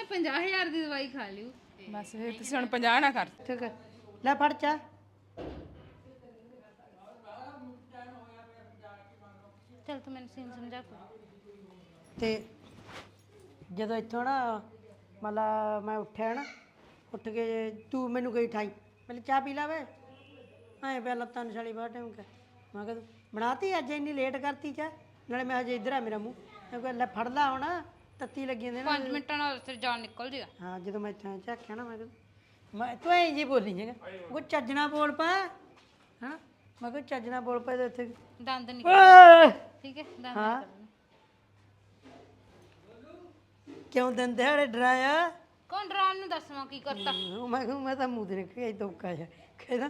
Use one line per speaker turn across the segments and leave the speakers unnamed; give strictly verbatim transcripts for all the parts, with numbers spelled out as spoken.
ਪੰਜਾਹ ਹਜ਼ਾਰ ਦੀ ਦਵਾਈ ਖਾ ਲਿਓ
ਬਸ ਫਿਰ ਤੁਸੀਂ ਹੁਣ ਪੰਜਾਹ ਨਾ ਕਰ।
ਠੀਕ ਹੈ ਲੈ ਫੜ ਚਾ
ਚਲ ਤੂੰ ਮੈਨੂੰ ਸੀਨ ਸਮਝਾ ਕੋ
ਤੇ ਜਦੋਂ ਇੱਥੋਂ ਨਾ ਮਤਲਬ ਮੈਂ ਉੱਠਿਆ ਨਾ ਉੱਠ ਕੇ ਤੂੰ ਮੈਨੂੰ ਗਈ ਠਾਈ ਮੈਂ ਚਾਹ ਪੀ ਲਾ ਵੇ ਐਂ ਪਿਆ ਲੱਤਾਂ ਨਿਸ਼ਾਲੀ ਬਾਹਰ ਟਾਈਮ ਕਰ ਮੈਂ ਕਿਹਾ ਬਣਾਤੀ ਅੱਜ ਇੰਨੀ ਲੇਟ ਕਰਤੀ ਚਾਹ ਨਾਲੇ ਮੈਂ ਹਜੇ ਇੱਧਰ ਆ ਮੇਰਾ ਮੂੰਹ ਮੈਂ ਕਿਹਾ ਲੈ ਫੜ ਲਾ ਹੁਣ ਤੱਤੀ ਲੱਗੀ ਜਾਂਦੇ ਨਾ
ਪੰਜ ਮਿੰਟਾਂ ਨਾਲ ਤੇ ਜਾਨ ਨਿਕਲ ਜੇਗਾ
ਹਾਂ ਜਦੋਂ ਮੈਂ ਇੱਥੇ ਝਾਕਿਆ ਨਾ ਮੈਂ ਕਿਹਾ ਮੈਂ ਤੂੰ ਐਂ ਜੀ ਬੋਲੀ ਜੇਗਾ ਉਹ ਚੱਜਣਾ ਬੋਲ ਪਾ ਹਾਂ ਮੈਂ ਕਿਹਾ ਚੱਜਣਾ ਬੋਲ ਪਾ ਤੇ ਉੱਥੇ
ਦੰਦ ਨਿਕਲ
ਓਏ!
ਠੀਕ ਹੈ ਦੰਦ
ਹਾਂ
ਨਿਕਲ
ਕਿਉਂ ਦਿਨ ਦਿਹਾੜੇ ਡਰਾਇਆ
ਕੌਣ ਡਰਾਉਣ ਨੂੰ ਦੱਸਵਾਂ ਕੀ ਕਰਤਾ
ਉਹ ਮੈਂ ਕਿਹਾ ਮੈਂ ਤਾਂ ਮੂੰਹ ਤੇ ਨਿਕਲ ਗਿਆ ਧੋਕਾ ਜਿਹਾ ਕਹਿੰਦਾ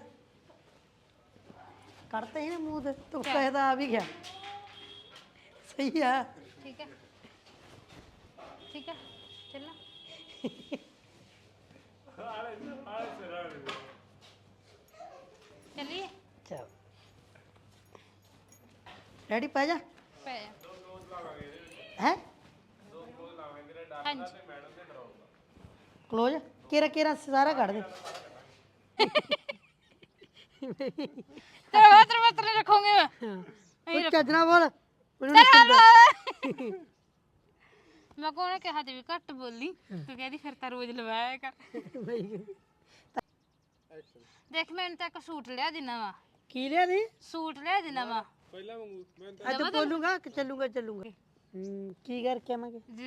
ਕੱਢਤਾ ਹੀ ਨਾ ਮੂੰਹ ਤੇ ਧੋਕਾ ਇਹਦਾ ਆ ਵੀ ਗਿਆ ਸਹੀ ਆ
ਠੀਕ ਹੈ ਠੀਕ ਹੈ ਚੱਲਣਾ ਚੱਲੀਏ
ਚਲ ਰੈਡੀ ਪਾ ਜਾ
ਪੈ ਜਾ
ਹੈ
ਹਾਂਜੀ
ਕਲੋਜ਼ ਕੇਰਾ ਕੇਰਾ ਸਾਰਾ ਕੱਢ ਦੇ
ਤੇਰਾ ਵਾਤਰ ਵਾਤਰ ਰੱਖੋਗੇ ਮੈਂ
ਉਹ ਚੱਜਣਾ ਬੋਲ ਮੈਨੂੰ
ਮੈਂ ਕੋਣੇ ਕਿਹਾ ਤੇ ਵੀ ਘੱਟ ਬੋਲੀ ਤੂੰ ਕਹਿੰਦੀ ਫਿਰ ਤਾਂ ਰੋਜ਼ ਲਵਾਇਆ ਕਰ ਦੇਖ ਮੈਨੂੰ ਤਾਂ ਇੱਕ ਸੂਟ ਲਿਆ ਦੇਣਾ ਵਾ
ਕੀ ਲਿਆ ਦੀ
ਸੂਟ ਲਿਆ ਦੇਣਾ ਵਾ
ਅੱਜ ਬੋਲੂਗਾ ਕਿ ਚੱਲੂਗਾ ਚੱਲੂਗਾ ਹੂੰ ਕੀ ਕਰਕੇ ਆਵਾਂਗੇ
ਜੀ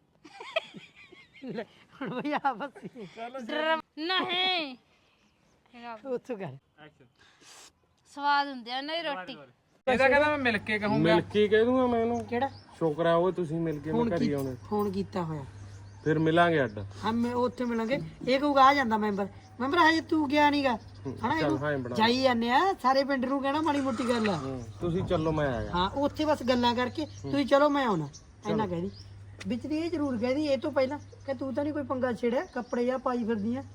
ਲੈ, ਹੁਣ ਭਈ ਆਪਸ
ਨਹੀਂ
ਉੱਥੋਂ ਕਰ
ਸਵਾਦ ਹੁੰਦੀ ਆ ਨਹੀਂ ਰੋਟੀ
ਇਹਦਾ ਕਹਿੰਦਾ ਮੈਂ ਮਿਲ ਕੇ ਕਹੂੰਗਾ
ਮਿਲ ਕੇ ਕਹਿ ਦੂੰਗਾ ਮੈਂ ਇਹਨੂੰ
ਕਿਹੜਾ
ਸ਼ੁਕਰ ਆ ਉਹ ਤੁਸੀਂ ਮਿਲ ਕੇ ਮੈਂ
ਫੋਨ
ਘਰੀ ਆਉਣੇ
ਫੋਨ ਕੀਤਾ ਹੋਇਆ
ਫਿਰ ਮਿਲਾਂਗੇ ਅੱਡ
ਹਾਂ ਮੈਂ ਉੱਥੇ ਮਿਲਾਂਗੇ ਇਹ ਕਹੂਗਾ ਆ ਜਾਂਦਾ ਮੈਂਬਰ ਮੈਂਬਰ ਹਜੇ ਤੂੰ ਗਿਆ ਨਹੀਂਗਾ ਹਨਾ
ਚੱਲ ਹਾਂ ਬਣਾ
ਜਾਈ ਜਾਂਦੇ ਆ ਸਾਰੇ ਪਿੰਡ ਨੂੰ ਕਹਿਣਾ ਮਾੜੀ ਮੋਟੀ ਗੱਲ ਆ
ਹੂੰ, ਤੁਸੀਂ ਚੱਲੋ ਮੈਂ ਆਇਆ
ਹਾਂ ਉੱਥੇ ਬਸ ਗੱਲਾਂ ਕਰਕੇ ਤੁਸੀਂ ਚਲੋ ਮੈਂ ਆਉਣਾ ਇੰਨਾ ਕਹਿਦੀ ਵਿੱਚ ਦੀ ਇਹ ਜ਼ਰੂਰ ਕਹਿਦੀ ਇਹ ਤੋਂ ਪਹਿਲਾਂ ਕਿ ਤੂੰ ਤਾਂ ਨਹੀਂ ਕੋਈ ਪੰਗਾ ਛੇੜਿਆ ਕੱਪੜੇ ਜਾਂ ਪਾਈ ਫਿਰਦੀ ਆ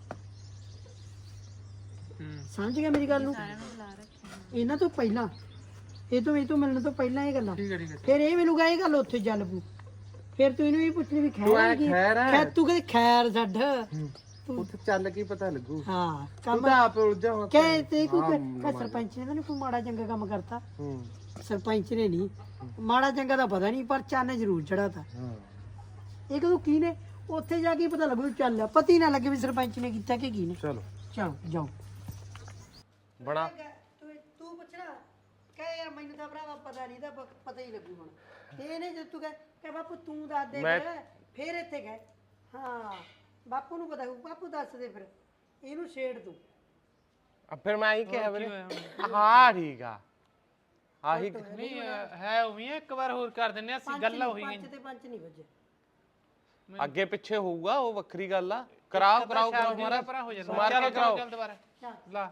ਸਮਝ ਗਿਆ ਮੇਰੀ ਗੱਲ ਨੂੰ ਇਹਨਾਂ ਤੋਂ ਪਹਿਲਾਂ ਇਹ ਤੋਂ ਇਹ ਤੋਂ ਮਿਲਣ ਤੋਂ ਪਹਿਲਾਂ ਇਹ ਗੱਲਾਂ ਫਿਰ ਇਹ ਮਿਲੂਗਾ ਇਹ ਗੱਲ ਉੱਥੇ ਚੱਲ ਪੂ ਫਿਰ ਤੂੰ ਇਹਨੂੰ ਇਹ ਪੁੱਛਣੀ ਵੀ ਖੈਰ ਕੀ
ਖੈਰ ਹੈ
ਖੈਰ ਤੂੰ ਕਹਿੰਦੀ ਖੈਰ ਛੱਡ
ਉੱਥੇ ਚੱਲ ਕੀ ਪਤਾ ਲੱਗੂ
ਹਾਂ
ਤੂੰ
ਕੰਮ
ਤਾਂ ਆਪ ਉਲਝਿਆ ਹੋਇਆ
ਕਹਿ ਤੇ ਕੋਈ ਕਹ ਸਰਪੰਚ ਨੇ ਤਾਂ ਨਹੀਂ ਕੋਈ ਮਾੜਾ ਚੰਗਾ ਕੰਮ ਕਰਤਾ
ਹੂੰ
ਸਰਪੰਚ ਨੇ ਨਹੀਂ ਮਾੜਾ ਚੰਗਾ ਤਾਂ ਪਤਾ ਨਹੀਂ ਪਰ ਚਾਨੇ ਜ਼ਰੂਰ ਚੜਾਤਾ
ਹਾਂ
ਇਹ ਕਦੋਂ ਕੀ ਨੇ ਉੱਥੇ ਜਾ ਕੇ ਪਤਾ ਲੱਗੂ ਚੱਲ ਪਤੀ ਨਾ ਲੱਗੇ ਵੀ ਸਰਪੰਚ ਨੇ ਕੀਤਾ ਕਿ ਕੀ ਨੇ
ਚਲੋ
ਚਲੋ ਜਾਓ
ਬਣਾ
ਤੂੰ ਤੂੰ ਪੁੱਛਣਾ ਕਹੇ ਯਾਰ ਮੈਨੂੰ ਤਾਂ ਭਰਾਵਾ ਪਤਾ ਨਹੀਂ ਤਾਂ ਪਤਾ ਹੀ ਲੱਗੂ ਹੁਣ ਤੇ ਇਹਨੇ ਜੇ ਤੂੰ ਕਹੇ ਕਿ ਬਾਪੂ ਤੂੰ ਦੱਸ ਦੇ ਫਿਰ ਫਿਰ ਇੱਥੇ ਗਏ ਹਾਂ ਬਾਪੂ ਨੂੰ ਪਤਾ ਹੋਊ ਬਾਪੂ ਦੱਸ ਦੇ ਫਿਰ ਇਹਨੂੰ ਛੇੜ ਤੂੰ
ਆ ਫਿਰ ਮੈਂ ਹੀ ਕਿਹਾ ਵੀਰੇ ਹਾਂ ਠੀਕ ਆ ਆਹੀ
ਨਹੀਂ ਹੈ ਉਵੇਂ ਇੱਕ ਵਾਰ ਹੋਰ ਕਰ ਦਿੰਨੇ ਅਸੀਂ ਗੱਲ ਹੋਈ
ਪੰਜ ਤੇ ਪੰਜ ਨਹੀਂ ਵੱਜੇ
ਅੱਗੇ ਪਿੱਛੇ ਹੋਊਗਾ ਉਹ ਵੱਖਰੀ ਗੱਲ ਆ ਕਰਾਓ ਕਰਾਓ ਕਰਾਓ
ਮਾਰਾ ਪਰਾ ਹੋ ਜਾਂਦਾ
ਮਾਰ ਕੇ ਕਰਾਓ
ਚੱਲ ਦੁਬਾਰਾ ਲਾ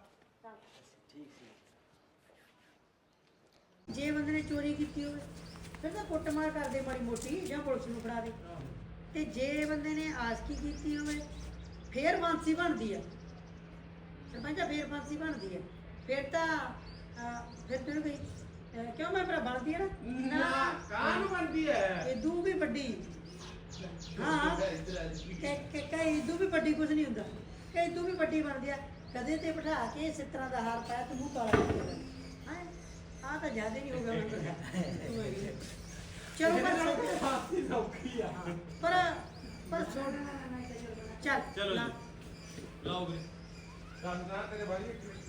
ਜੇ ਬੰਦੇ ਨੇ ਚੋਰੀ ਕੀਤੀ ਹੋਵੇ ਫਿਰ ਤਾਂ ਕੁੱਟਮਾਰ ਕਰਦੇ ਮਾੜੀ ਮੋਟੀ ਜਾਂ ਪੁਲਿਸ ਨੂੰ ਫੜਾ ਦੇ ਤੇ ਜੇ ਬੰਦੇ ਨੇ ਆਸਕੀ ਕੀਤੀ ਹੋਵੇ ਫੇਰ ਫਾਂਸੀ ਬਣਦੀ ਆ ਸਰਪੰਚਾ ਫੇਰ ਫਾਂਸੀ ਬਣਦੀ ਆ ਫਿਰ ਤਾਂ ਅਹ, ਫਿਰ ਤੈਨੂੰ ਕੋਈ ਅਹ, ਕਿਉਂ ਮੈਂ ਭਰਾ ਬਣਦੀ ਆ ਨਾ ਨਾ ਕਾਹਨੂੰ ਬਣਦੀ ਹੈ ਇਹ ਦੂ ਵੀ ਵੱਡੀ ਹਾਂ ਕਿ ਕਿ ਕਈ ਦੂ ਵੀ ਵੱਡੀ ਕੁਝ ਨਹੀਂ ਹੁੰਦਾ ਕਈ ਦੂ ਵੀ ਵੱਡੀ ਬਣਦੀ ਆ ਕਦੇ ਤੇ ਬਿਠਾ ਕੇ ਇਸ ਤਰ੍ਹਾਂ ਦਾ ਹਾਰ ਪਾਇਆ ਤੇ ਮੂੰਹ ਕਾਲਾ ਕਰ ਦਿੰਦਾ ਹੈ ਆ ਤਾਂ ਜ਼ਿਆਦਾ ਨਹੀਂ ਹੋਗਾ ਮੈਨੂੰ ਚਲੋ ਪਰ ਫਾਂਸੀ ਸੌਖੀ ਆ ਪਰ ਪਰ ਛੋੜ ਚੱਲ ਚਲੋ ਲਾਓ ਵੀਰੇ ਸੰਨਾ ਤੇਰੇ ਬਾਰੀ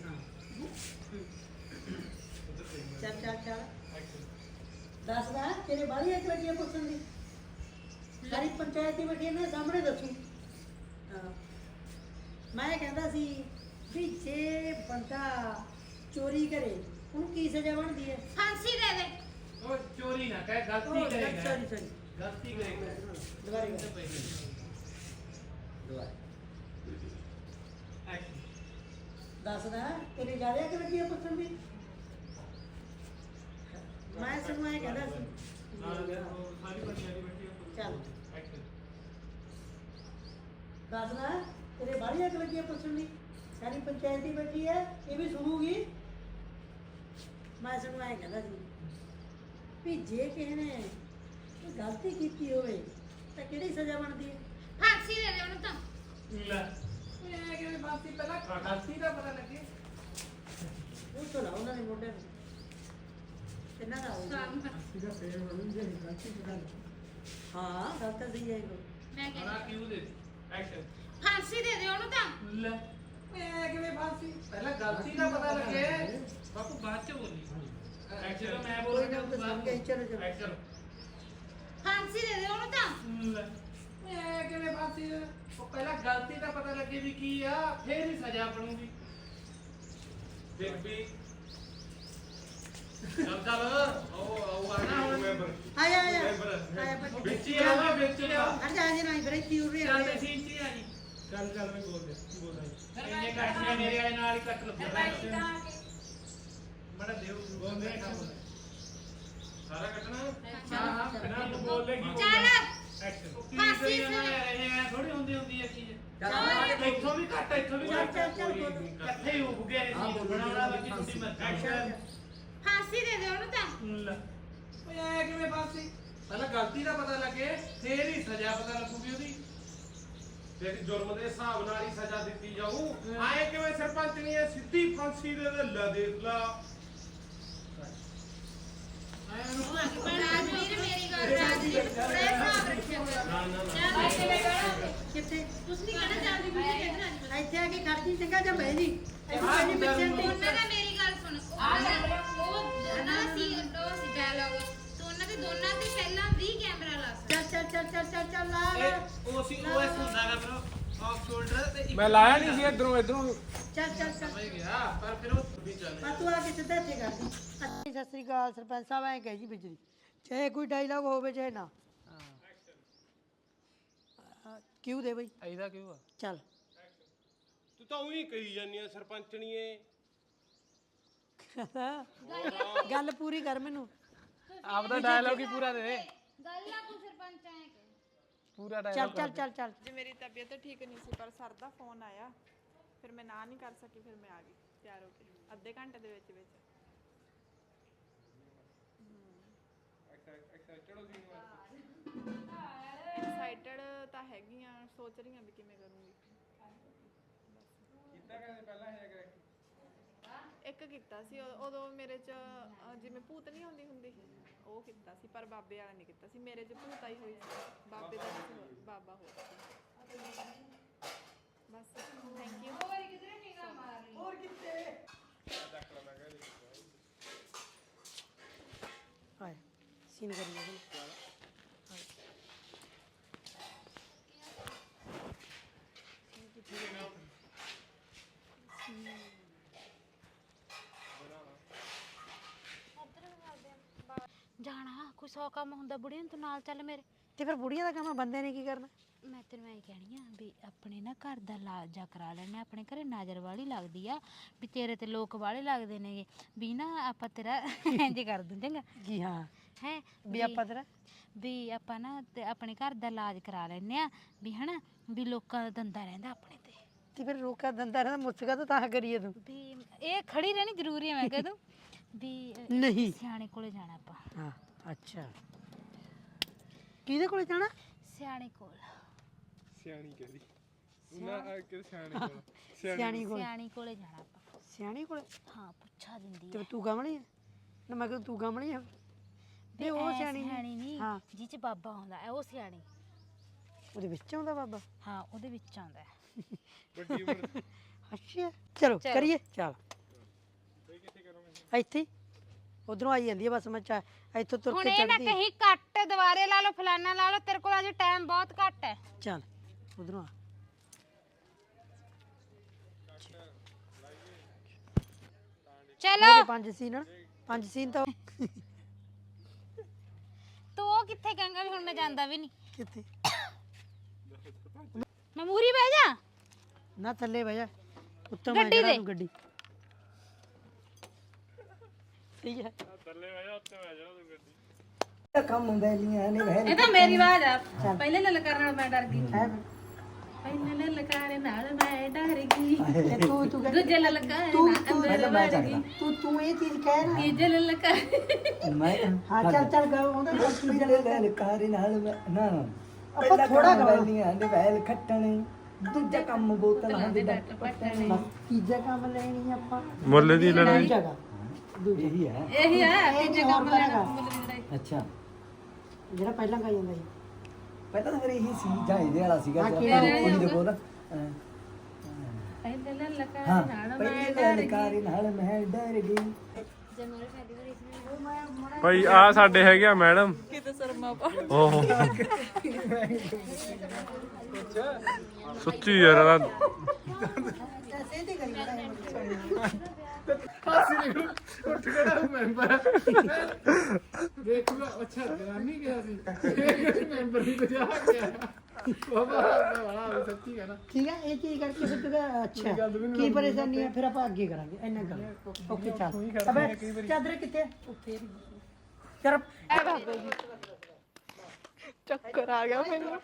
ਚੱਲ ਚੱਲ ਚੱਲ ਦੱਸਦਾ ਤੇਰੇ ਬਾਰੀ ਇੱਕ ਲੱਗੀ ਪੁੱਛਣ ਦੀ ਸਾਰੀ ਪੰਚਾਇਤ ਦੀ ਬੈਠੀ ਨੇ ਸਾਹਮਣੇ ਦੱਸੂ ਹਾਂ ਮੈਂ ਕਹਿੰਦਾ ਸੀ ਵੀ ਜੇ ਬੰਦਾ ਚੋਰੀ ਕਰੇ ਉਹਨੂੰ ਕੀ ਸਜ਼ਾ ਬਣਦੀ ਹੈ
ਫਾਂਸੀ ਦੇ ਦੇ
ਉਹ ਚੋਰੀ ਨਾ ਕਹਿ ਗਲਤੀ ਕਰੇਗਾ
ਸੌਰੀ ਸੌਰੀ
ਗਲਤੀ ਕਰੇਗਾ
ਦੁਬਾਰੇ ਦੱਸਦਾ ਤੇਰੀ ਜ਼ਿਆਦਾ ਕਿ ਲੱਗੀ ਪੁੱਛਣ ਦੀ ਮੈਂ ਸਗੋਂ ਇਹ ਕਹਿੰਦਾ ਸੀ ਚੱਲ ਦੱਸਦਾ ਤੇਰੇ ਬਾਹਰੀ ਅੱਗ ਲੱਗੀ ਪੁੱਛਣ ਦੀ ਸਾਰੀ ਪੰਚਾਇਤ ਹੀ ਬੈਠੀ ਹੈ ਇਹ ਵੀ ਸੁਣੂਗੀ ਮੈਂ ਸਗੋਂ ਇਹ ਕਹਿੰਦਾ ਸੀ ਵੀ ਜੇ ਕਿਸੇ ਨੇ ਗਲਤੀ ਕੀਤੀ ਹੋਵੇ ਤਾਂ ਕਿਹੜੀ ਸਜ਼ਾ ਬਣਦੀ ਹੈ
ਫਾਂਸੀ
ਲੈ ਇਹ ਕਿਵੇਂ ਬਾਤੀ ਪਹਿਲਾਂ ਗਲਤੀ ਦਾ ਪਤਾ ਲੱਗੇ
ਉਹ ਤੋਂ ਲਾਉ ਉਹਨਾਂ ਦੇ ਮੋਢੇ ਨੂੰ ਕਿੰਨਾ ਦਾ ਹੋਊਗਾ ਹਾਂ ਗੱਲ ਤਾਂ ਸਹੀ ਹੈ ਇਹ
ਮੈਂ ਕਹਿੰਦੀ
ਬੜਾ ਕਿਉਂ ਦੇ ਐਕਸ਼ਨ
ਫਾਂਸੀ ਦੇ ਦੇ ਉਹਨੂੰ ਤਾਂ
ਲੈ ਇਹ ਕਿਵੇਂ ਬਾਤੀ ਪਹਿਲਾਂ ਗਲਤੀ ਦਾ ਪਤਾ ਲੱਗੇ ਬਾਪੂ ਬਾਅਦ ਚ ਬੋਲੀ ਐਕਸ਼ਨ ਮੈਂ
ਕੋਈ ਨਾ ਤਾਂ ਸਮਝ ਗਈ ਚਲੋ ਚਲੋ
ਐਕਸ਼ਨ
ਫਾਂਸੀ ਦੇ ਦੇ ਉਹਨੂੰ ਤਾਂ
ਲੈ ਇਹ ਕਿਵੇਂ ਬਾਤੀ ਉਹ ਪਹਿਲਾਂ ਗਲਤੀ ਦਾ ਪਤਾ ਲੱਗੇ ਵੀ ਕੀ ਆ ਫੇਰ ਹੀ ਸਜ਼ਾ ਬਣੂਗੀ ਦੇਖ ਵੀ ਚੱਲ ਚੱਲ ਉਹ ਉਹ ਆਣਾ ਹੁਣ
ਆਇਆ ਆਇਆ ਆਇਆ ਬੱਚੇ
ਵਿੱਚ ਹੀ ਆਵਾ ਵਿੱਚ ਹੀ ਆ
ਹਟ ਜਾ ਜੇ ਨਹੀਂ ਬਰੇ ਕੀ ਉਰੇ
ਚੱਲ ਤੇ ਸੀਨ ਚ ਆ ਜੀ ਚੱਲ ਚੱਲ ਮੈਂ ਬੋਲ ਦੇ ਕੀ ਬੋਲਦਾ ਇੰਨੇ ਕੱਟ ਕੇ ਮੇਰੇ ਵਾਲੇ ਨਾਲ ਹੀ ਕੱਟ ਲੱਗਾ ਮੜਾ ਦੇਵ ਬੋਲ ਦੇ ਸਾਰਾ ਕੱਟਣਾ ਹਾਂ ਹਾਂ ਬਿਨਾਂ ਤੂੰ ਬੋਲ ਲੈ ਕੀ
ਚੱਲ
ਐਕਸ਼ਨ ਫਾਂਸੀ ਇਹ ਥੋੜੀ ਹੁੰਦੀ ਹੁੰਦੀ ਹੈ ਚੀਜ਼ ਇੱਥੋਂ ਵੀ ਘੱਟ ਇੱਥੋਂ ਵੀ ਘੱਟ ਇਕੱਠੇ ਹੀ ਉੱਗ ਗਏ ਸੀ ਬਣਾਉਣਾ ਬਾਕੀ ਤੁਸੀਂ ਮੈਂ ਐਕਸ਼ਨ
ਫਾਂਸੀ ਦੇ ਦੇ ਉਹਨੂੰ ਤਾਂ
ਲੈ ਓਏ ਐ ਕਿਵੇਂ ਫਾਂਸੀ ਪਹਿਲਾਂ ਗਲਤੀ ਦਾ ਪਤਾ ਲੱਗੇ ਫੇਰ ਹੀ ਸਜ਼ਾ ਪਤਾ ਲੱਗੂਗੀ ਉਹਦੀ
ਦੇਖ ਜੁਰਮ ਦੇ ਹਿਸਾਬ ਨਾਲ ਹੀ ਸਜ਼ਾ ਦਿੱਤੀ ਜਾਊ ਆਏ ਕਿਵੇਂ ਸਰਪੰਚ ਨਹੀਂ ਹੈ ਸਿੱਧੀ ਫਾਂਸੀ ਦੇ ਦੇ ਲੈ ਦੇਖ ਲਾ
ਆਏ ਉਹਨੂੰ
ਰਾਜਵੀਰ ਮੇਰੀ ਗੱਲ ਰਾਜਵੀਰ ਥੋੜਾ ਹਿਸਾਬ ਰੱਖਿਆ ਕਰ
ਕਿੱਥੇ
ਤੁਸੀਂ ਨਹੀਂ ਕਹਿਣਾ ਚਾਹਦੀ ਵੀ ਕਹਿੰਦਾ
ਇੱਥੇ ਆ ਕੇ ਖੜਦੀ ਚੰਗਾ ਜਾਂ ਬਹਿ ਜੀ ਇੱਥੇ ਜੀ ਬੱਚੇ ਨੂੰ
ਉਹਨਾਂ ਦਾ ਮੇਰੀ ਗੱਲ ਸੁਣ ਉਹ ਨਾ ਸੀ ਉਹ ਸੀ ਡਾਇਲੌਗ ਤੂੰ ਉਹਨਾਂ ਦੇ ਦੋਨਾਂ ਤੇ ਪਹਿਲਾਂ ਵੀ ਕੈਮਰਾ ਲਾ ਸਕਦਾ
ਚੱਲ ਚੱਲ ਚੱਲ ਚੱਲ ਚੱਲ ਚੱਲ ਲਾ
ਇਹ ਉਹ ਸੀ ਉਹ ਐਸ ਹੁੰਦਾਗਾ ਬ్రో ਆਫ ਸ਼ੋਲਡਰ ਤੇ ਇੱਕ
ਮੈਂ ਲਾਇਆ ਨਹੀਂ ਸੀ ਇਧਰੋਂ ਇਧਰੋਂ
ਚੱਲ ਚੱਲ ਚੱਲ
ਸਮਝ ਗਿਆ ਪਰ ਫਿਰ ਉਹ ਵੀ ਚੱਲ
ਆ ਤੂੰ ਆ ਕੇ ਸਿੱਧਾ ਇੱਥੇ ਕਰਦੀ ਸਤਿ ਸ੍ਰੀ ਅਕਾਲ ਸਰਪੰਚ ਸਾਹਿਬ ਐਂ ਕਹੇ ਜੀ ਬਿਜਲੀ ਚਾਹੇ ਕੋਈ ਡਾਇਲੌਗ ਹੋਵੇ ਚਾਹੇ ਨਾ ਕਿਉਂ ਦੇ ਬਈ
ਐਦਾ ਕਿਉਂ ਆ
ਚੱਲ
ਤੂੰ ਤਾਂ ਉਹੀ ਕਹੀ ਜਾਂਦੀ ਆ ਸਰਪੰਚਣੀਏ
ਗੱਲ ਪੂਰੀ ਕਰ ਮੈਨੂੰ
ਆਪਦਾ ਡਾਇਲੌਗ ਹੀ ਪੂਰਾ ਦੇ
ਗੱਲ ਆ ਤੂੰ ਸਰਪੰਚ ਆਏ ਕਿ
ਪੂਰਾ
ਚੱਲ
ਡਾਇਲੌਗ
ਚੱਲ ਚੱਲ ਚੱਲ
ਜੇ ਮੇਰੀ ਤਬੀਅਤ ਠੀਕ ਨਹੀਂ ਸੀ ਪਰ ਸਰ ਦਾ ਫੋਨ ਆਇਆ ਫਿਰ ਮੈਂ ਨਾ ਨਹੀਂ ਕਰ ਸਕੀ ਫਿਰ ਮੈਂ ਆ ਗਈ ਤਿਆਰ ਹੋ ਕੇ ਅੱਧੇ ਘੰਟੇ ਦੇ ਵਿੱਚ ਵਿੱਚ ਐਕਸਾਈਟਡ ਤਾਂ ਹੈਗੀ ਆ ਸੋਚ ਰਹੀ ਆ ਵੀ ਕਿਵੇਂ ਕਰੂੰਗੀ
ਕਿੱਦਾਂ ਕਹਿੰਦੇ ਪਹਿਲਾਂ ਹੈ ਕਰੈਕਟ
ਇੱਕ ਕੀਤਾ ਸੀ ਉ- ਉਦੋਂ ਮੇਰੇ ਚ ਅ, ਜਿਵੇਂ ਭੂਤ ਨਹੀਂ ਹੁੰਦੀ ਹੁੰਦੀ ਉਹ ਕੀਤਾ ਸੀ ਪਰ ਬਾਬੇ ਵਾਲਾ ਨਹੀਂ ਕੀਤਾ ਸੀ ਮੇਰੇ ਚ ਭੂਤ ਆਈ ਹੋਈ ਸੀ ਬਾਬੇ ਦਾ ਕਿਸੇ ਹੋਰ- ਬਾਬਾ ਹੋਰ ਸੀ ਬਸ ਥੈਂਕ ਯੂ
ਆਏ ਸੀਨ ਕਰੀ ਜਾ
ਜਾਣਾ ਕੋਈ ਸੌ ਕੰਮ ਹੁੰਦਾ ਬੁੜੀਆਂ ਨੂੰ ਤੂੰ ਨਾਲ ਚੱਲ ਮੇਰੇ
ਤੇ ਫਿਰ ਬੁੜੀਆਂ ਦਾ ਕੰਮ ਆ, ਬੰਦੇ ਨੇ ਕੀ ਕਰਨਾ
ਮੈਂ ਤੈਨੂੰ ਐਂ ਕਹਿਣੀ ਆ ਵੀ ਆਪਣੇ ਨਾ ਘਰ ਦਾ ਲਾਜਾ ਕਰਾ ਲੈਣੇ ਆਪਣੇ ਘਰੇ ਨਜ਼ਰ ਵਾਲੀ ਲੱਗਦੀ ਆ ਵੀ ਤੇਰੇ ਤੇ ਲੋਕ ਵਾਲੇ ਲੱਗਦੇ ਨੇਗੇ ਵੀ ਨਾ ਆਪਾਂ ਤੇਰਾ ਇੰਜ ਕਰ ਦੂੰ ਚੰਗਾ
ਜੀ ਹਾਂ
ਹੈ
ਵੀ ਆਪਾਂ ਤੇਰਾ
ਵੀ ਆਪਾਂ ਨਾ ਤੇ ਆਪਣੇ ਘਰ ਦਾ ਇਲਾਜ ਕਰਾ ਲੈਣੇ ਆ ਵੀ ਹਨਾ ਵੀ ਲੋਕਾਂ ਦਾ ਦੰਦਾ ਰਹਿੰਦਾ ਆਪਣੇ ਤੇ
ਤੇ ਫਿਰ ਰੋਕਾ ਦੰਦਾ ਰਹਿੰਦਾ ਮੁੱਸਕਾ ਤਾਂ ਤਾਂ ਕਰੀਏ ਤੂੰ
ਵੀ ਇਹ ਖੜੀ ਰਹਿਣੀ ਜ਼ਰੂਰੀ ਹੈ ਮੈਂ ਕਹਿ ਦੂੰ ਵੀ ਅ,
ਨਹੀਂ
ਸਿਆਣੇ ਕੋਲੇ ਜਾਣਾ ਆਪਾਂ
ਹਾਂ ਅੱਛਾ ਕਿਹਦੇ ਕੋਲੇ ਜਾਣਾ
ਸਿਆਣੇ ਕੋਲ
ਸਿਆਣੀ ਕਹਿੰਦੀ ਉਹਨਾਂ ਆ ਕੇ ਸਿਆਣੇ ਕੋਲ
ਸਿਆਣੀ ਕੋਲ
ਸਿਆਣੀ ਕੋਲੇ ਜਾਣਾ ਆਪਾਂ
ਸਿਆਣੀ ਕੋਲੇ
ਹਾਂ ਪੁੱਛਾ ਦਿੰਦੀ
ਤੇ
ਆ
ਤੂੰ ਗਮਲੀ ਹੈ ਨਾ ਮੈਂ ਕਿਹਾ ਤੂੰ ਗਮਲੀ ਹੈ
ਵੀ
ਉਹ
ਐ
ਸਿਆਣੀ
ਸਿਆਣੀ ਨਹੀਂ
ਹਾਂ
ਜਿਹ ਚ ਬਾਬਾ ਹੁੰਦਾ ਹੈ ਉਹ ਸਿਆਣੀ
ਉਹਦੇ ਵਿੱਚ ਆਉਂਦਾ ਬਾਬਾ
ਹਾਂ ਉਹਦੇ ਵਿੱਚ ਆਉਂਦਾ ਹੈ
ਵੱਡੀ ਉਮਰ
ਅੱਛਾ ਚਲੋ
ਚਲੋ।
ਕਰੀਏ ਚੱਲ ਇੱਥੇ ਉਧਰੋਂ ਆਈ ਜਾਂਦੀ ਹੈ ਬਸ ਮੈਂ ਚਾ ਇੱਥੋਂ ਤੁਰ
ਹੁਣ
ਕੇ
ਇਹ ਨਾ
ਚੜਦੀ
ਕਹੀਂ ਕੱਟ ਦੁਬਾਰੇ ਲਾ ਲਓ ਫਲਾਨਾ ਲਾ ਲਓ ਤੇਰੇ ਕੋਲ ਅਜੇ ਟਾਈਮ ਬਹੁਤ ਘੱਟ ਹੈ
ਚੱਲ ਉਧਰੋਂ ਆ
ਚਲੋ
ਉਹਦੇ ਪੰਜ ਸੀਨ ਆ, ਪੰਜ ਸੀਨ ਤਾਂ
ਤੂੰ ਉਹ ਕਿੱਥੇ ਕਹਾਂਗਾ ਵੀ ਹੁਣ ਮੈਂ ਜਾਂਦਾ ਵੀ ਨਹੀਂ
ਕਿੱਥੇ
ਮੈਂ ਮੂਰੀ ਬਹਿ ਜਾ
ਨਾ ਥੱਲੇ ਬਹਿ ਜਾ ਉੱਤੋਂ ਮੈਂ
ਗੱਡੀ
ਜਿਹੜਾ
ਦੇ।
ਤੂੰ ਗੱਡੀ ਸਹੀ ਹੈ ਕੰਮ ਬੈਲੀਆਂ ਨੇ ਵਹਿ
ਇਹ ਤਾਂ ਮੇਰੀ ਆਵਾਜ਼ ਆ ਪਹਿਲੇ ਲਲਕਾਰ ਨਾਲ ਮੈਂ ਡਰ ਗਈ
ਹੈ
ਪਹਿਲੇ ਲਲਕਾਰ ਨਾਲ ਮੈਂ ਡਰ ਗਈ
ਤੇ ਤੂੰ ਤੂੰ ਕਹਿ-
ਦੂਜੇ ਲਲਕਾਰ
ਤੂੰ
ਨਾਲ
ਤੂੰ
ਅੰਦਰ ਵੜ ਗਈ
ਤੂੰ ਤੂੰ ਇਹ ਚੀਜ਼ ਕਹਿ ਨਾ
ਤੀਜੇ ਲਲਕਾਰ
ਮੈਂ ਹਾਂ ਚੱਲ ਚੱਲ ਗਾ ਉਹਦਾ
ਪਿਛਲੇ ਲਲਕਾਰ ਨਾਲ ਮੈਂ- ਨਾ ਨਾ
ਆਪਾਂ ਥੋੜਾ ਗਾ
ਵੈਲੀਆਂ ਦੇ ਵੈਲ ਖੱਟਣ
ਦੂਜਾ ਕੰਮ ਬੋਤਲ ਹੁੰਦੀ ਡਾਕਟਰ ਪੱਟਣ ਤੀਜਾ ਕੰਮ ਲੈਣੀ ਆਪਾਂ
ਮੁੱਲ ਦੀ ਲੜਾਈ
ਜਗ੍ਹਾ ਦੂਜੀ
ਇਹੀ ਹੈ
ਇਹੀ ਆ ਤੀਜੇ ਕੰਮ ਲੈਣਾ
ਅੱਛਾ
ਜਿਹੜਾ ਪਹਿਲਾਂ ਖਾਈ ਜਾਂਦਾ ਸੀ
ਪਹਿਲਾਂ ਤਾਂ ਫਿਰ ਇਹੀ ਸੀ ਜਾਂ ਇਹਦੇ ਵਾਲਾ ਸੀਗਾ
ਹਾਂ,
ਜਿਹੜਾ
ਕਿਹੜਾ
ਉਹੀ ਦੇ ਕੋਲ
ਪਹਿਲੇ ਲਲਕਾਰੇ
ਹਾਂ
ਨਾਲ ਮੈਂ
ਪਹਿਲੇ
ਡਰ ਗਈ
ਲਲਕਾਰੇ ਨਾਲ ਮੈਂ ਡਰ ਗਈ
ਭਾਈ ਆ ਸਾਡੇ ਹੈਗੇ ਆ ਮੈਡਮ
ਕਿਤੇ ਸਰਮਾ ਪਾ
ਓਹ ਸੱਚੀ ਯਾਰ ਇਹਦਾ
ਸੇਧੀ ਕਰੀ
ਉੱਠ ਖੜਾ ਮੈਂਬਰ ਦੇਖੂਗਾ ਅੱਛਾ ਜਨਾਨੀ ਗਿਆ ਸੀ ਮੈਂਬਰ ਵੀ ਬਜਾ ਗਿਆ ਬਾਬਾ ਵਾਹ ਸੱਚੀ ਕਹਿਣਾ
ਠੀਕ ਹੈ ਇਹ ਚੀਜ਼ ਕਰਕੇ ਫਿਰ ਤੂੰ ਅੱਛਾ ਕੀ ਪਰੇਸ਼ਾਨੀ ਹੈ ਫਿਰ ਆਪਾਂ ਅੱਗੇ ਕਰਾਂਗੇ ਇੰਨਾ ਕਰ ਓਕੇ ਚੱਲ ਅਬੇ ਚਾਦਰ ਕਿੱਥੇ ਉੱਥੇ ਚਲ
ਚੱਕਰ ਆ ਗਿਆ ਮੈਨੂੰ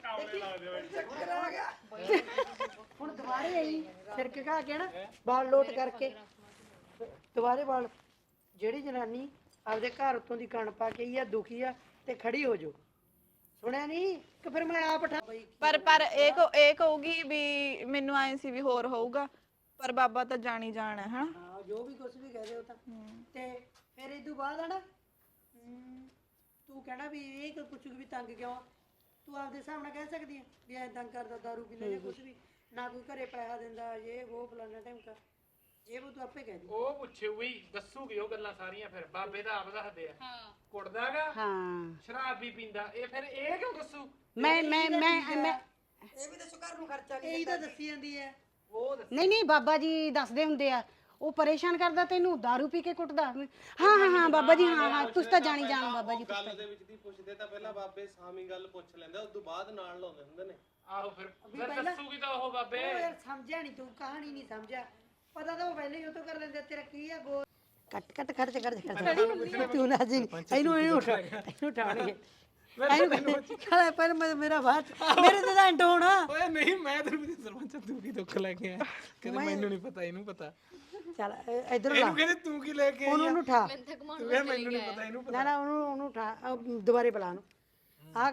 ਹੁਣ ਦੁਬਾਰੇ ਆਈ ਫਿਰ ਕੇ ਕਹਾ ਕੇ ਨਾ ਬਾਲ ਲੋਟ ਕਰਕੇ ਦੁਬਾਰੇ ਬਾਲ ਜਿਹੜੀ ਜਨਾਨੀ ਆਪਦੇ ਘਰ ਉੱਤੋਂ ਦੀ ਕਣ ਪਾ ਕੇ ਆਈ ਆ ਦੁਖੀ ਆ ਤੇ ਖੜੀ ਹੋ ਜਾਓ ਸੁਣਿਆ ਨਹੀਂ ਕਿ ਫਿਰ ਮੈਂ ਆਪ ਉਠਾ
ਪਰ ਪਰ ਇਹ ਕਹੂ- ਇਹ ਕਹੂਗੀ ਵੀ ਮੈਨੂੰ ਆਏ ਸੀ ਵੀ ਹੋਰ ਹੋਊਗਾ ਪਰ ਬਾਬਾ ਤਾਂ ਜਾਣੀ ਜਾਣਾ ਹੈ ਹਨਾ
ਹਾਂ ਜੋ ਵੀ ਕੁਝ ਵੀ ਕਹਦੇ ਹੋ ਤਾਂ ਤੇ ਫਿਰ ਇਹ ਤੋਂ ਬਾਅਦ ਆ ਨਾ ਹਮ, ਤੂੰ ਕਹਿਣਾ ਵੀ ਇਹ ਕਿ ਪੁੱਛੂ ਵੀ ਤੰਗ ਕਿਉਂ ਆ? ਤੂੰ ਆਪਦੇ ਹਿਸਾਬ ਨਾਲ ਕਹਿ ਸਕਦੀ ਹੈ ਵੀ ਐ ਤੰਗ ਕਰਦਾ ਦਾਰੂ ਪੀਂਦਾ ਜਾਂ ਕੁਝ ਵੀ ਨਾ ਕੋਈ ਘਰੇ ਪੈਸਾ ਦਿੰਦਾ ਇਹ ਉਹ ਫਲਾਣਾ ਟਾਈਮ ਇਹ ਉਹ ਤੂੰ ਆਪੇ ਕਹਿ ਦੀ
ਉਹ ਪੁੱਛੂਗੀ ਦੱਸੂਗੀ ਉਹ ਗੱਲਾਂ ਸਾਰੀਆਂ ਫਿਰ ਬਾਬੇ ਦਾ ਆਪ ਦੱਸਦੇ ਆ ਹਾਂ ਕੁੱਟਦਾਗਾ
ਹਾਂ
ਸ਼ਰਾਬ ਵੀ ਪੀਂਦਾ ਇਹ ਫਿਰ ਇਹ ਕਿਉਂ ਦੱਸੂ
ਮੈਂ ਮੈਂ ਮੈਂ ਮੈਂ
ਇਹ ਵੀ ਦੱਸੋ ਘਰ ਨੂੰ ਖਰਚਾ ਇਹ ਤਾਂ ਦੱਸੀ ਜਾਂਦੀ ਹੈ
ਉਹ ਦੱਸ
ਨਹੀਂ ਨਹੀਂ ਬਾਬਾ ਜੀ ਦੱਸਦੇ ਹੁੰਦੇ ਆ ਉਹ ਪਰੇਸ਼ਾਨ ਕਰਦਾ ਤੈਨੂੰ दारू ਪੀ ਕੇ ਕੁੱਟਦਾ ਹਾਂ ਹਾਂ ਹਾਂ ਬਾਬਾ ਜੀ ਹਾਂ ਹਾਂ ਤੁਸੀਂ ਤਾਂ ਜਾਣੀ ਜਾਣ ਬਾਬਾ ਜੀ
ਗੱਲ ਦੇ ਵਿੱਚ ਦੀ ਪੁੱਛਦੇ ਤਾਂ ਪਹਿਲਾਂ ਬਾਬੇ ਸਾਮੀ ਗੱਲ ਪੁੱਛ ਲੈਂਦੇ ਉਸ ਤੋਂ ਬਾਅਦ ਨਾਲ ਲਾਉਂਦੇ ਹੁੰਦੇ ਨੇ
ਆਹੋ ਫਿਰ ਫਿਰ ਦੱਸੂਗੀ ਤਾਂ ਉਹ ਬਾਬੇ
ਉਹ ਯਾਰ ਸਮਝਿਆ ਨਹੀਂ ਤੂੰ ਕਹਾਣੀ ਨਹੀਂ ਸਮਝਿਆ ਪਤਾ ਤਾਂ ਉਹ ਪਹਿਲੇ ਹੀ ਉਹ ਤੋਂ ਕਰ ਲੈਂਦੇ ਤੇਰਾ ਕੀ ਆ ਗੋ ਕੱਟ ਕੱਟ ਖਰਚ ਕਰ ਕਰ ਤੂੰ ਨਾ ਜੀ ਇਹਨੂੰ ਇਹਨੂੰ ਉਠਾ ਇਹਨੂੰ ਉਠਾਣਗੇ ਇਹਨੂੰ ਖੜਾ ਪਰ ਮੇਰਾ ਬਾਤ ਮੇਰੇ ਤੇ ਤਾਂ ਐਂਡ ਹੋਣਾ
ਓਏ ਨਹੀਂ ਮੈਂ ਤੈਨੂੰ ਵੀ ਸਰਪੰਚ ਤੂੰ ਕੀ ਦੁੱਖ ਲੈ ਕੇ ਆਇਆ ਕਹਿੰਦੇ ਮੈਨੂੰ ਨਹੀਂ ਪਤਾ ਇਹਨੂੰ ਪਤਾ
ਚੱਲ ਇਧਰ ਲਾ
ਇਹਨੂੰ ਕਹਿੰਦੇ ਤੂੰ ਕੀ ਲੈ ਕੇ ਆਈ
ਉਹਨੂੰ ਉਹਨੂੰ ਉਠਾ
ਤੂੰ ਕਹਿੰਦਾ ਮੈਨੂੰ ਨਹੀਂ ਪਤਾ ਇਹਨੂੰ
ਨਾ ਨਾ ਉਹਨੂੰ ਉਹਨੂੰ ਉਠਾ ਅਹ ਦੁਬਾਰੇ ਬੁਲਾ ਨੂੰ ਆ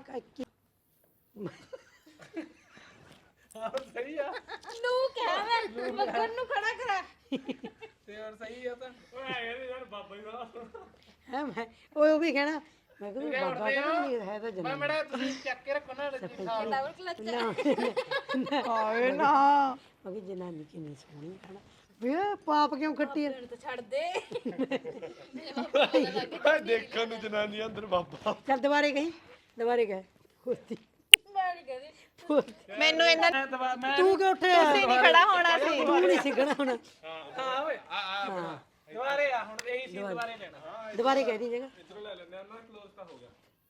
ਆਹ ਸਹੀ ਆ
ਨੂੰ ਕਹਿ ਮੈਂ ਮੱਗਰ ਨੂੰ ਖੜਾ ਕਰਾ
ਤੇ ਹੋਰ ਸਹੀ ਆ ਤਾਂ ਓਏ ਕਹਿੰਦੇ ਯਾਰ ਬਾਬਾ ਹੀ ਦਾ
ਹੈ ਮੈਂ ਉਹ ਉਹ ਵੀ ਕਹਿਣਾ ਮੈਂ ਕਿਹਾ ਬਾਬਾ ਤਾਂ ਨਹੀਂ ਹੈ ਤਾਂ
ਮੈਂ
ਜਨਾਨੀ
ਮੜਾ ਤੁਸੀਂ ਚੱਕ ਕੇ ਰੱਖੋ ਨਾ
ਡਬਲ ਕਲਚ
ਹਾਏ ਨਾ
ਮੈਂ ਕਿਹਾ ਜਨਾਨੀ ਕਿੰਨੀ ਸੋਹਣੀ ਹੈ ਨਾ ਵੇ ਪਾਪ ਕਿਉਂ ਖੱਟੀ ਹੈ
ਤਾਂ ਛੱਡ ਦੇ
ਦੇਖਣ ਨੂੰ ਜਨਾਨੀ ਅੰਦਰ ਬਾਬਾ
ਚੱਲ ਦੁਬਾਰੇ ਕਹੀਂ ਦੁਬਾਰੇ ਕਹੇ ਖੁਸ਼ਤੀ
ਮੈਂ ਨਹੀਂ ਕਹਦੀ
ਮੈਨੂੰ ਇਹਨਾਂ
ਤੂੰ ਕਿਉਂ ਉੱਠਿਆ
ਤੁਸੀਂ ਨਹੀਂ ਖੜਾ ਹੋਣਾ ਸੀ
ਤੂੰ ਨਹੀਂ ਸਿੱਖਣਾ ਹੁਣ
ਹਾਂ ਓਏ ਆ ਆ ਦੁਬਾਰੇ ਆ ਹੁਣ ਇਹੀ ਸੀ ਦੁਬਾਰੇ ਲੈਣਾ
ਦੁਬਾਰੇ ਕਹਿ ਦੀ ਜਗਾ
ਇਧਰੋਂ ਲੈ ਲੈਂਦੇ ਆ ਨਾ ਕਲੋਜ਼ ਤਾਂ ਹੋ ਗਿਆ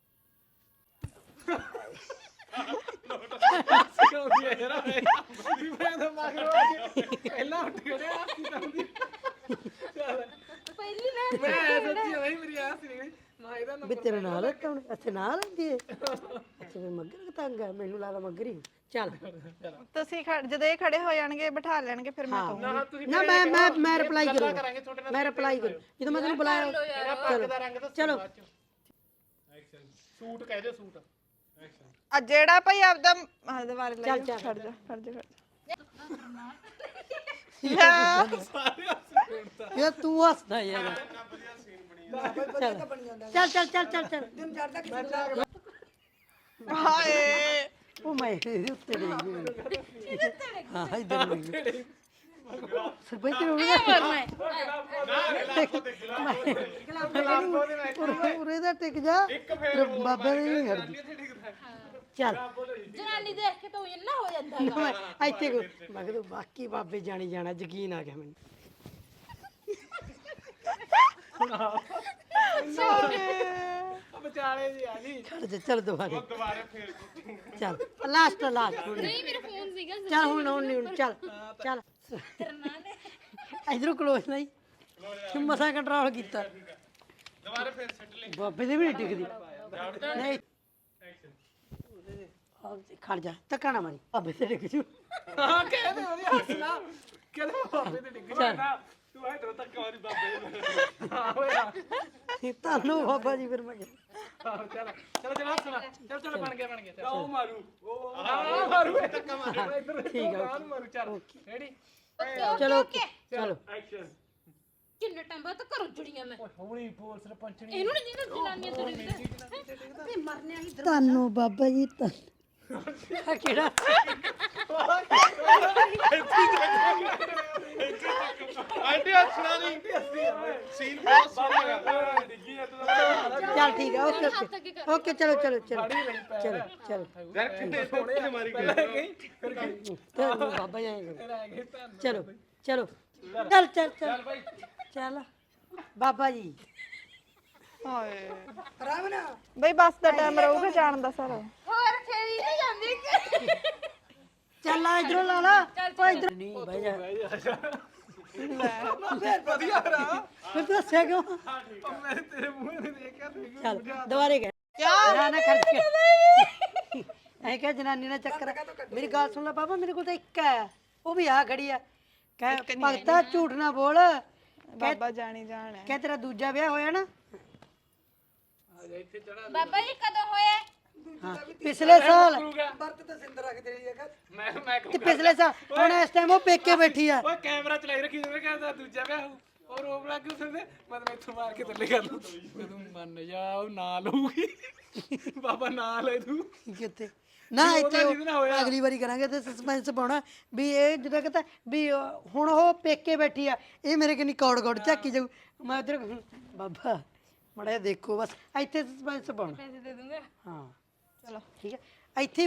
ਕਿਉਂ ਗਿਆ ਯਾਰ ਵੀ ਮੈਂ ਤਾਂ ਮਗਰੋਂ ਆ ਕੇ ਪਹਿਲਾਂ ਉੱਠ ਖੜਿਆ ਸੀ ਤਾਂ ਉਹਦੀ ਚੱਲ
ਪਹਿਲੀ ਨਾ
ਮੈਂ ਸੱਚੀ ਹੋਈ ਮੇਰੀ ਆਸ ਨਹੀਂ ਗਈ ਮੈਂ ਇਹਦਾ
ਵੀ ਤੇਰੇ ਨਾਲ ਕੌਣ ਅੱਛਾ ਨਾਲ ਹੁੰਦੀ ਹੈ ਅੱਛਾ ਫਿਰ ਮੱਗਰ ਤੰਗ ਹੈ ਮੈਨੂੰ ਲੱਗਦਾ ਮੱਗਰ ਹੀ ਚੱਲ
ਤੁਸੀਂ ਖੜ- ਜਦੋਂ ਇਹ ਖੜੇ ਹੋ ਜਾਣਗੇ ਬਿਠਾ ਲੈਣਗੇ ਫਿਰ ਮੈਂ ਕਹੂੰਗੀ
ਨਾ ਤੁਸੀਂ
ਨਾ ਮੈਂ ਮੈਂ ਮੈਂ ਰਿਪਲਾਈ
ਕਰਾਂਗੇ
ਕਰੂੰਗਾ
ਤੁਹਾਡੇ ਨਾਲ
ਮੈਂ ਰਿਪਲਾਈ ਕਰੂੰ ਜਦੋਂ ਮੈਂ ਤੈਨੂੰ ਬੁਲਾਇਆ
ਮੇਰਾ ਪੱਗ ਦਾ ਰੰਗ ਦੱਸੋ
ਚਲੋ।
ਐਕਸ਼ਨ ਸੂਟ ਕਹਿ ਦਿਓ ਸੂਟ ਐਕਸ਼ਨ
ਆ ਜਿਹੜਾ ਭਾਈ ਆਪਦਾ ਆਹ ਦੁਬਾਰੇ ਲੈ
ਚੱਲ,
ਜਾ
ਚੱਲ।
ਖੜ ਜਾ ਖੜ ਜਾ ਖੜ ਜਾ
ਯਾਰ ਤੂੰ ਹੱਸਦਾ ਯਾਰ ਚੱਲ ਚੱਲ ਚੱਲ ਚੱਲ ਚੱਲ
ਹਾਏ
ਉਹ ਮੈਂ ਇਹਦੇ ਉੱਤੇ ਡਿੱਗ ਗਈ ਹਾਂ ਇਧਰ ਡਿੱਗ ਗਈ ਸਰਪੰਚ ਨੂੰ ਉਹਦਾ ਉਰੇ ਦਾ ਟਿਕ ਜਾ ਬਾਬੇ ਦੇ ਨਹੀਂ ਹਰਦੀ ਚੱਲ
ਜਨਾਨੀ ਦੇਖ ਕੇ ਤੂੰ ਇੰਨਾ ਹੋ ਜਾਂਦਾ ਹੈਗਾ
ਮੈਂ ਇੱਥੇ ਕੋ ਮੈਂ ਕਿਹਾ ਬਾਕੀ ਬਾਬੇ ਜਾਣੀ ਜਾਣਾ ਯਕੀਨ ਆ ਗਿਆ ਮੈਨੂੰ
ਵਿਚਾਲੇ ਜੀ ਆ ਜੀ
ਛੱਡ ਦੇ ਚੱਲ ਦੁਬਾਰੇ
ਦੁਬਾਰੇ ਫੇਰ
ਚੱਲ ਲਾਸਟ ਲਾਸਟ
ਨਹੀਂ ਮੇਰਾ ਫੋਨ ਸੀਗਾ
ਚੱਲ ਹੁਣ ਹੁਣ ਨਹੀਂ ਹੁਣ ਚੱਲ ਚੱਲ ਇਧਰੋਂ ਕਲੋਜ਼ ਨਹੀਂ ਮਸਾ ਕੰਟਰੋਲ ਕੀਤਾ
ਦੁਬਾਰੇ ਫੇਰ ਸੱਟ ਲੈ
ਬਾਬੇ ਦੇ ਵੀ ਨਹੀਂ ਟਿਕਦੀ ਨਹੀਂ ਆਹ ਖੜ ਜਾ ਧੱਕਾ ਨਾ ਮਾਰੀ ਬਾਬੇ ਤੇ ਡਿੱਗ ਜੂ
ਹਾਂ ਕਹਿੰਦੇ ਉਹਦੀ ਹੱਸਣਾ ਕਹਿੰਦੇ ਬਾਬੇ ਤੇ ਡਿੱਗ
ਚੱਲ
ਤੂੰ ਐ ਤੱਕ ਵਾਰੀ ਬਾਬੇ ਹਾਂ ਓਏ
ਤੁਹਾਨੂੰ ਬਾਬਾ ਜੀ ਫਿਰ ਮੈਂ ਕਿਹਾ।
ਚੱਲ ਚਲੋ ਚਲੋ ਹੱਸਣਾ ਚਲ ਚਲ ਬਣ ਗਿਆ ਬਣ ਗਿਆ ਉਹ ਮਾਰੂ ਉਹ ਆ ਮਾਰੂ ਇਹ ਧੱਕਾ ਮਾਰੂ ਠੀਕ ਆ ਮਾਰੂ ਚੱਲ ਰੈਡੀ
ਚਲੋ ਚਲੋ
ਐਕਸ਼ਨ
ਕਿੰਨੇ ਟਾਈਮ ਬਾਅਦ ਤਾਂ ਘਰੋਂ ਜੁੜੀਆਂ ਮੈਂ
ਹੌਲੀ ਬੋਲ ਸਰਪੰਚਣੀ
ਇਹਨੂੰ ਨਹੀਂ ਜਿਹਨਾਂ ਜਨਾਨੀਆਂ ਤੁਰੀ
ਤੁਹਾਨੂੰ ਬਾਬਾ ਜੀ ਤਾਂ ਕਿਹੜਾ
ਆਂਟੀ ਹੱਸਣਾ ਨਹੀਂ ਸੀਨ ਬਹੁਤ ਸੋਹਣਾ
ਡਿੱਗੀ ਆ ਤੂੰ
ਚੱਲ ਠੀਕ ਹੈ ਓਕੇ ਓਕੇ ਓਕੇ ਚਲੋ ਚਲੋ ਚਲੋ ਚਲੋ ਚਲੋ
ਯਾਰ ਕਿੰਨੇ ਸੋਹਣੇ ਮਾਰੀ ਗਏ
ਚਲੋ ਬਾਬਾ ਜੀ ਆਏਂ ਕਰੋ। ਚਲੋ ਚਲੋ ਚੱਲ ਚੱਲ ਚੱਲ ਚੱਲ ਬਾਬਾ ਜੀ
ਹਾਏ
ਰਾਮ ਨਾ
ਬਈ ਬੱਸ ਦਾ ਟਾਈਮ ਰਹੂਗਾ ਜਾਣ ਦਾ ਸਰ
ਹੋਰ ਖੇਰੀ ਨਹੀਂ ਜਾਂਦੀ
ਚੱਲ ਆ ਇਧਰੋਂ ਲਾ ਲਾ ਓ ਇਧਰ ਨਹੀਂ ਬਹਿ ਜਾ
ਵਧੀਆ ਰਾ
ਫਿਰ ਤੂੰ ਹੱਸਿਆ ਕਿਉਂ
ਮੈਂ ਤੇਰੇ ਮੂੰਹ ਨੂੰ ਦੇਖਿਆ ਤੂੰ
ਚੱਲ ਦੁਬਾਰੇ ਕਹਿ ਨਾ ਨਾ ਖਰਚ ਕੇ ਐ ਕਿ ਜਨਾਨੀ ਨਾਲ ਚੱਕਰ ਹੈ। ਮੇਰੀ ਗੱਲ ਸੁਣ ਲੈ ਬਾਬਾ ਮੇਰੇ ਕੋਲ ਤਾਂ ਇੱਕ ਹੈ ਉਹ ਵੀ ਆ ਖੜੀ ਆ ਕਹਿ ਭਗਤਾ ਝੂਠ ਨਾ ਬੋਲ
ਬਾਬਾ ਜਾਣੀ ਜਾਣ ਹੈ
ਕਹਿ ਤੇਰਾ ਦੂਜਾ ਵਿਆਹ ਹੋਇਆ ਨਾ
ਬਾਬਾ ਜੀ ਕਦੋਂ ਹੋਇਆ
ਹਾਂ ਪਿਛਲੇ ਸਾਲ
ਮੈਂ ਮੈਂ
ਤੇ ਪਿਛਲੇ ਸਾਲ ਹੁਣ ਇਸ ਟਾਈਮ ਉਹ ਪੇਕੇ ਬੈਠੀ ਆ
ਓਏ ਕੈਮਰਾ ਚਲਾਈ ਰੱਖੀ ਜਿਵੇਂ ਕਹਿੰਦਾ ਦੂਜਾ ਵਿਆਹ ਹੋਊ ਔਰ ਰੋਬ ਲੱਗ ਗਈ ਉਸਨੇ ਮਤਲਬ ਇੱਥੋਂ ਮਾਰ ਕੇ ਥੱਲੇ ਕਰ ਲੂ ਤੂੰ ਮੰਨ ਜਾ ਉਹ ਨਾ ਲਊਗੀ ਬਾਬਾ ਨਾ ਲੈ ਤੂੰ
ਕਿੱਥੇ ਨਾ ਇੱਥੇ ਉਹ
ਜਿਹਦੇ ਨਾਲ ਹੋਇਆ।
ਅਗਲੀ ਵਾਰੀ ਕਰਾਂਗੇ ਤੇ ਸਸਪੈਂਸ ਪਾਉਣਾ ਵੀ ਇਹ ਜਿਹੜਾ ਕਹਿੰਦਾ ਵੀ ਉਹ- ਹੁਣ ਉਹ ਪੇਕੇ ਬੈਠੀ ਆ ਇਹ ਮੇਰੇ ਕਿੰਨੀ ਕੌੜ ਕੌੜ ਝਾਕੀ ਜਾਊ ਮੈਂ ਉਧਰ ਬਾਬਾ ਮੜਾ ਦੇਖੋ ਬਸ ਇੱਥੇ ਸਸਪੈਂਸ ਪਾਉਣਾ
ਪੈਸੇ ਦੇ ਦੂੰਗਾ
ਹਾਂ ਚਲੋ ਠੀਕ ਹੈ ਇੱਥੇ